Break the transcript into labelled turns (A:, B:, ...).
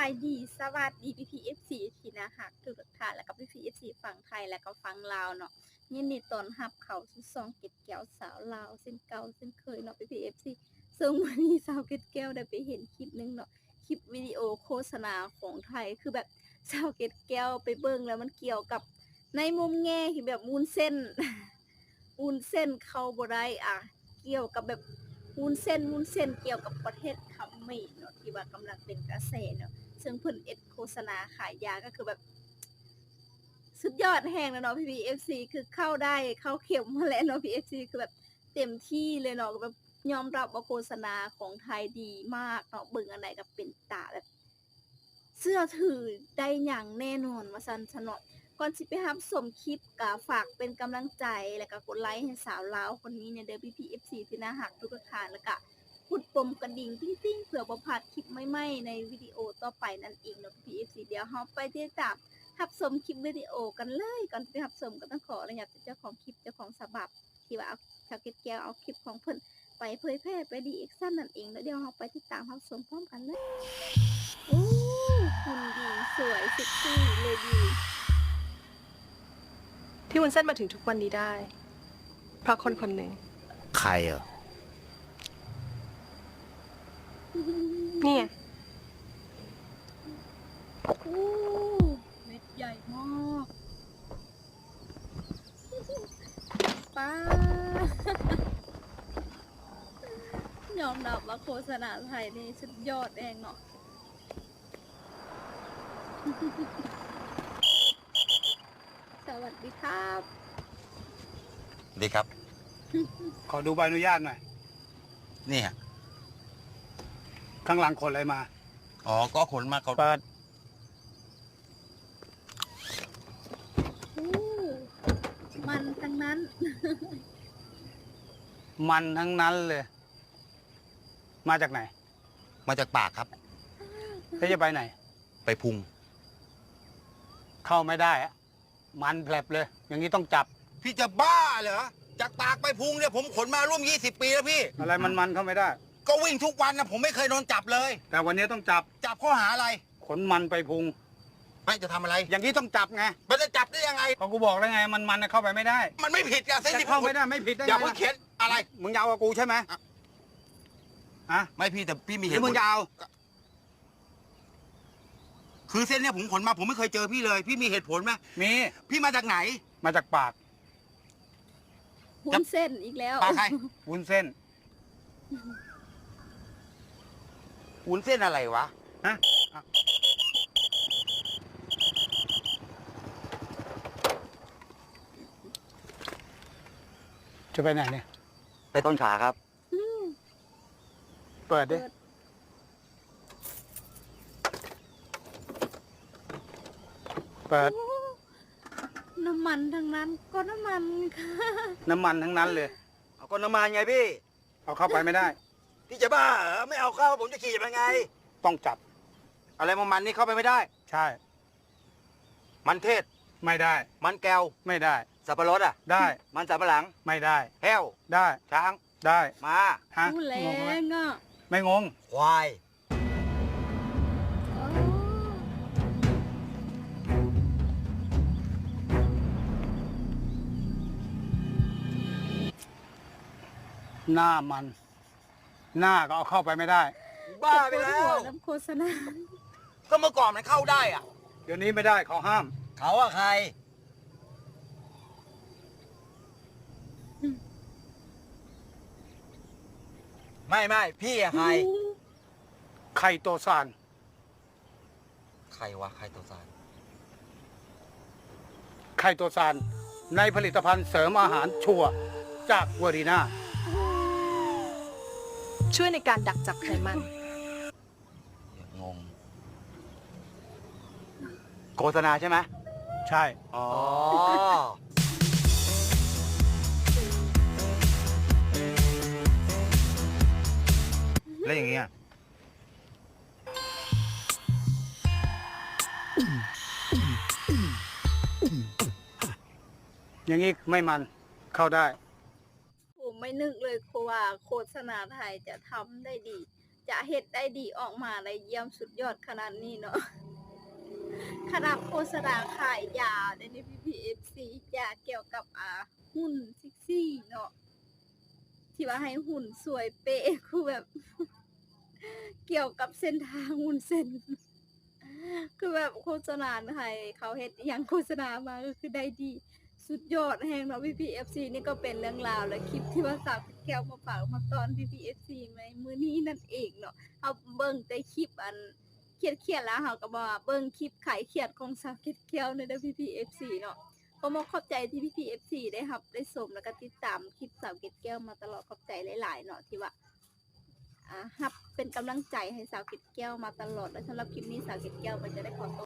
A: ายดีสวัสดีพี่ที่น่ารักทุกท่านแล้วก็พี่ฝั่งไทยแล้วก็ฝั่งลาวเนาะยินดีต้อนรับเข้าสู่ช่องเก็ดแก้วสาวลาวเช่นเก่าเช่นเคยเนาะพี่ซึ่งวันนี้สาวเก็ดแก้วได้ไปเห็นคลิปหนึงเนาะคลิปวิดีโอโฆษณาของไทยคือแบบสาวเก็ดแก้วไปเบิ่งแล้วมันเกี่ยวกับในมุมแง่ที่แบบวุ้นเส้น วุ้นเส้นเข้าบ่ได้เกี่ยวกับแบบวุ้นเส้นเกี่ยวกับประเทศเขมรเนาะที่ว่ากำลังเป็นกระแสเนาะซึ่งเพิ่นโฆษณาขายยาก็คือแบบสุดยอดแฮงแล้วเนาะพี่คือเข้าได้เข้าเข็มมาแล้วเนาะพี่คือแบบเต็มที่เลยเนาะแบบยอมรับว่าโฆษณาของไทยดีมากเนาะเบิ่งอันใดก็เป็นตาแบบเชื่อถือได้อย่างแน่นอนว่าซั่นซะเนาะ ก่อนสิไปรับชมคลิปก็ฝากเป็นกำลังใจแล้วก็กดไลค์ให้สาวลาวคนนี้เนี่ยเด้อพี่ที่น่ารักทุกท่านแล้วก็กดปุ่มกระดิ่งติ๊งๆเพื่อบ่พลาดคลิปใหม่ๆในวิดีโอต่อไปนั่นเองเนาะพี่เดี๋ยวเราไปติดตามรับชมคลิปวิดีโอกันเลยก่อนไปรับชมก็ต้องขออนุญาตเจ้าของคลิปเจ้าของฉบับที่ว่าเอาชาวเก็ตแก้วเอาคลิปของเพิ่นไปเผยแพร่ไปรีแอคชั่นนั่นเองแล้วเดี๋ยวเราไปติดตามรับชมพร้อมกันเลยโอ้หุ่นดีสวยเซ็กซี่เลยดี
B: ที่วุ้นเส้นมาถึงทุกวันนี้ได้ เพราะคนคนหนึ่ง
C: ใครเหรอ
B: นี่ไง
A: โอ้เม็ดใหญ่มากป้ายอมรับว่าโฆษณาไทยนี่สุดยอดเองเนาะสวัสดีครับ
C: ดีครับ
D: ขอดูใบอนุญาตหน่อย
C: นี่ฮะ
D: ข้างหลังขนอะไรมา
C: อ๋อ ก็ขนมาเขา
D: เปิด
A: โอ้มันทั้งนั้น
D: มันทั้งนั้นเลย มาจากไหน
C: มาจากปากครับ
D: แล้วจะไปไหน
C: ไปพุง
D: เข้าไม่ได้อะมันแผลบเลย อย่างนี้ต้องจับ
C: พี่จะบ้าเหรอ จากปากไปพุงเนี่ยผมขนมาร่วม20 ปีแล้วพี่
D: อะไรมันเข้าไม่ได้
C: ก็วิ่งทุกวันนะผมไม่เคยโดนจับเลย
D: แต่วันนี้ต้องจับ
C: จับข้อหาอะไร
D: ขนมันไปพุง
C: ไม่จะทำอะไร
D: อย่างนี้ต้องจับไง
C: มันจะจับได้ยังไง
D: ก็กูบอกแล้วไง มันเข้าไปไม่ได้
C: มันไม่ผิดอะเส้น
D: จะ
C: ที่
D: เข้าไม่ได้ไม่ผิดได้ไง
C: อย่าเพิ่งเข็นอะไร
D: มึงยาวกับกูใช่ไหมฮะ
C: ไม่พี่แต่พี่มี
D: ห
C: เห
D: รือ
C: ตุผ
D: มึ
C: ล
D: งยาว
C: คือเส้นเนี่ยผมขนมาผมไม่เคยเจอพี่เลย พี่มีเหตุผลไหม
D: มี
C: พี่มาจากไหน
D: มาจากปาก
A: หุนเส้นอีกแล้ว
C: ปากใคร
D: วุ้นเส้น
C: วุ้นเส้นอะไรวะ
D: ฮะจะไปไหนเนี่ย
C: ไปต้นขาครับ
D: เปิดดิ เปิด
A: โอ้น้ำมันทั้งนั้นก็น้ำมันค่ะ
D: น้ำมันทั้งนั้นเลย
C: เอาก็น้ำมันไงพี่
D: เอาเข้าไปไม่ได้
C: พี่จะบ้าเหรอไม่เอาเข้าผมจะขี่ยังไง
D: ต้องจับ
C: อะไรมันนี่เข้าไปไม่ได้
D: ใช่
C: มันเทศ
D: ไม่ได้
C: มันแก้ว
D: ไม่ได้
C: สับปะรดอ่ะ
D: ได้
C: มันสับปะหลัง
D: ไม่ได้
C: แห้ว
D: ได้
C: ช้าง
D: ได้
C: ม้า
D: ฮะ
A: พูดแรง
D: งไหม
A: อ่ะ
D: ไม่งง
C: ควาย
A: อ๋อ
D: หน้ามัน หน้าก็เอาเข้าไปไม่ได้
C: บ้าไปแล้
A: หั
C: ว
A: น้ำโฆษณา
C: ก็เมื่อก่อนมันเข้าได้อ่ะ
D: เดี๋ยวนี้ไม่ได้เขาห้าม
C: เขาอะใคร ไม่พี่อะใคร
D: ไข่โตซาน
C: ใครวะใครตัวสาร
D: ไข่โตซาน ในผลิตภัณฑ์เสริมอาหารชัวร์จากเวอรีนา
B: ช่วยในการดักจับไขมัน
C: งงโฆษณาใช่ไหม
D: ใช่
C: อ๋อแล้วอย่างเงี้ย
D: อย่างนี้ไม่มันเข้าได้
A: ผมไม่นึกเลยว่าโฆษณาไทยจะทำได้ดีจะเฮ็ดได้ดีออกมาได้เยี่ยมสุดยอดขนาดนี้เนาะ ขนาดโฆษณาขายยาใน PPFC ยาเกี่ยวกับหุ่นเซ็กซี่เนาะที่ว่าให้หุ่นสวยเป๊ะคือแบบ เกี่ยวกับเส้นทางหุ่นเส้น คือแบบโฆษณาไทยเขาเฮ็ดอหยังโฆษณามาก็คือได้ดีสุดยอดแฮงเนาะ PPFC นี่ก็เป็นเรื่องราวและคลิปที่ว่าสาวแก้วมาฝากมาตอน PPFC ในมื้อนี้นั่นเองเนาะเฮาเบิ่งแต่คลิปอันเครียดๆแล้วเฮาก็บ่ว่าเบิ่งคลิปขายเครียดของสาวแก้วใน PPFC เนาะก็ขอบใจที่ PPFC ได้รับได้ชมแล้วก็ติดตามคลิปสาวแก้วมาตลอดขอบใจหลายๆเนาะที่ว่ารับเป็นกำลังใจให้สาวเกดแก้วมาตลอดและสำหรับคลิปนี้สาวเกดแก้วมันจะได้ขอตัว